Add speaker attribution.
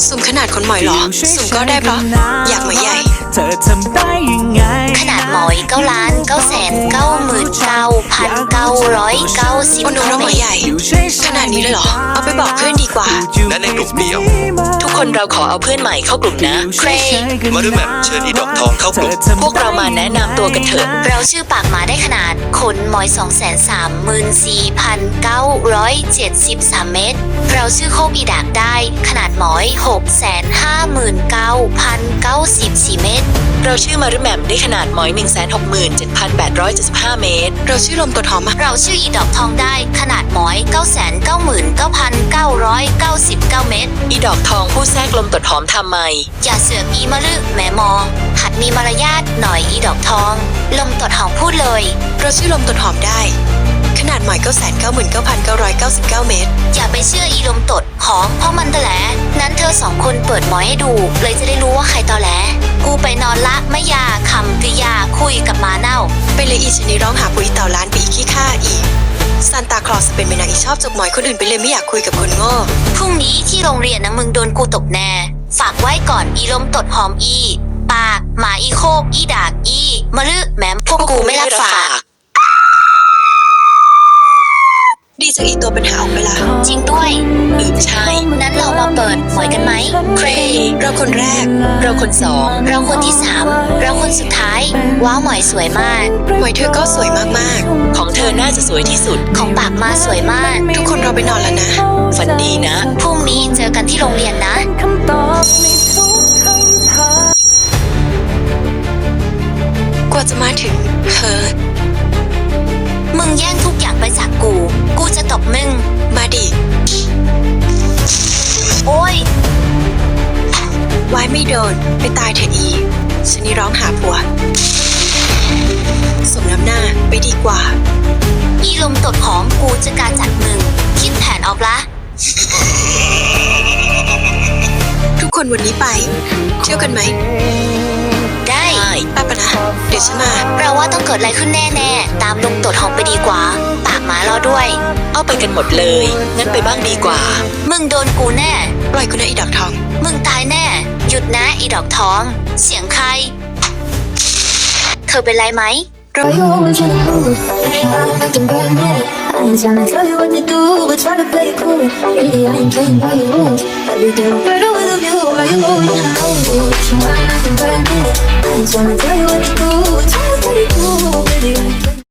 Speaker 1: สุ่มขนาดคนหมอยเหรอสุ่มก็ได้เพราะอยากหมอยใหญ่
Speaker 2: เธอทำได้ยังไง
Speaker 3: ขนาดหมอย9,999,990
Speaker 1: โอ้น้องหมอยใหญ่ขนาดนี้เลยเหรอเอาไปบอกเพื่อนดีกว่า
Speaker 4: และในกลุ่มเดียว
Speaker 5: ทุกคนเราขอเอาเพื่อนใหม่เข้ากลุ่มนะเครย์
Speaker 4: มาด้วยแมปเชิญอีดอกทองเข้ากลุ่ม
Speaker 5: พวกเรามาแนะนำตัวกันเถอะ
Speaker 3: เราชื่อปากหมาได้ขนาดขนหมอย 234,973 เมตรเราชื่อโคบอีดากได้ขนาดหมอย 659,094 เมตร
Speaker 5: เราชื่อมารุแหม่มได้ขนาดหมอย 167,875 เมตร
Speaker 1: เราชื่อลมตัวหอม
Speaker 3: เราชื่ออีดอกทองได้ขนาดหมอย 999,999 เมตร
Speaker 5: อีดอกทองผู้แทรกลมตดหอมทำไม
Speaker 3: อย่าเสือกอีมะลึแม่มองหัดมีมารยาทหน่อยอีดอกทองลมตดหอมพูดเลย
Speaker 1: เราชื่อลมตัวหอมได้ขนาดหมอย 999,999 เมตร
Speaker 3: อย่าไปเชื่ออีลมตดหอมเพราะมันตอแหลนั้นเธอสองคนเปิดหมอยให้ดูเลยจะได้รู้ว่าใครตอแหลกูไปนอนละไม่ยาคำกริยาคุยกับหมาเน่า
Speaker 1: ไปเลยอีชนีร้องหาปุ๋ยเต่าล้านปีขี้ข้าอีซานตาคลอสเป็นเมนางอีชอบจกหมอยคนอื่นไปเลยไม่อยากคุยกับคนโง่
Speaker 3: พรุ่งนี้ที่โรงเรียนนะมึงโดนกูตบแน่ฝากไว้ก่อนอีลมตดหอมอีปากหมาอีโคบอีดากอีมะลึแหมพวกกูไม่รับฝาก
Speaker 1: ดีจากอีตัวปัญหาออกไปละ
Speaker 3: จริงด้วย
Speaker 5: ใช่
Speaker 3: นั้นเรามาเปิดหมอยกันไหม
Speaker 5: เครย์
Speaker 1: เราคนแรก
Speaker 5: เราคนสอง
Speaker 3: เราคนที่3เราคนสุดท้ายว้าวหมอยสวยมาก
Speaker 1: หมอยเธอก็สวยมาก
Speaker 5: ของเธอน่าจะสวยที่สุด
Speaker 3: ของปากมาสวยมาก
Speaker 1: ทุกคนเราไปนอนแล้วนะ
Speaker 5: ฝันดีนะ
Speaker 3: พรุ่งนี้เจอกันที่โรงเรียนนะ
Speaker 1: กว่าจะมาถึงเธอ
Speaker 3: มึงแย่งทุกอย่างไปจากกูจะตบมึง
Speaker 1: มาดิ
Speaker 3: โอ้ย
Speaker 1: ไว้ไม่โดนไปตายเถอะอีฉันนี่ร้องหาผัวสมน้ำหน้าไปดีกว่า
Speaker 3: อีลมตดหอมกูจะการจัดมึงคิดแผนออกละ
Speaker 1: ทุกคนวันนี้ไปเที่ยวกันไหม
Speaker 3: ได้
Speaker 1: ป้าปะนะเดี๋ยวฉันมา
Speaker 3: เราว่าต้องเกิดอะไรขึ้นแน่ๆตามลมตดหอมไปดีกว่าปากหมารอด้วย
Speaker 5: เอาไปกันหมดเลยงั้นไปบ้างดีกว่า
Speaker 3: มึงโดนกูแน่
Speaker 1: ปล่อยกูนะอีดอกทอง
Speaker 3: มึงตายแน่หยุดนะอีดอกทองเสียงใครเธอเป็นไรไหม
Speaker 6: Girl, you always in the mood. Acting brand new. I ain't tryna tell you what to do, but try to play it cool. Really, I ain't playing by your rules. But you do better with a view. Why you always acting brand new? I ain't tryna tell you what to do, but try to play it cool. Really, I ain't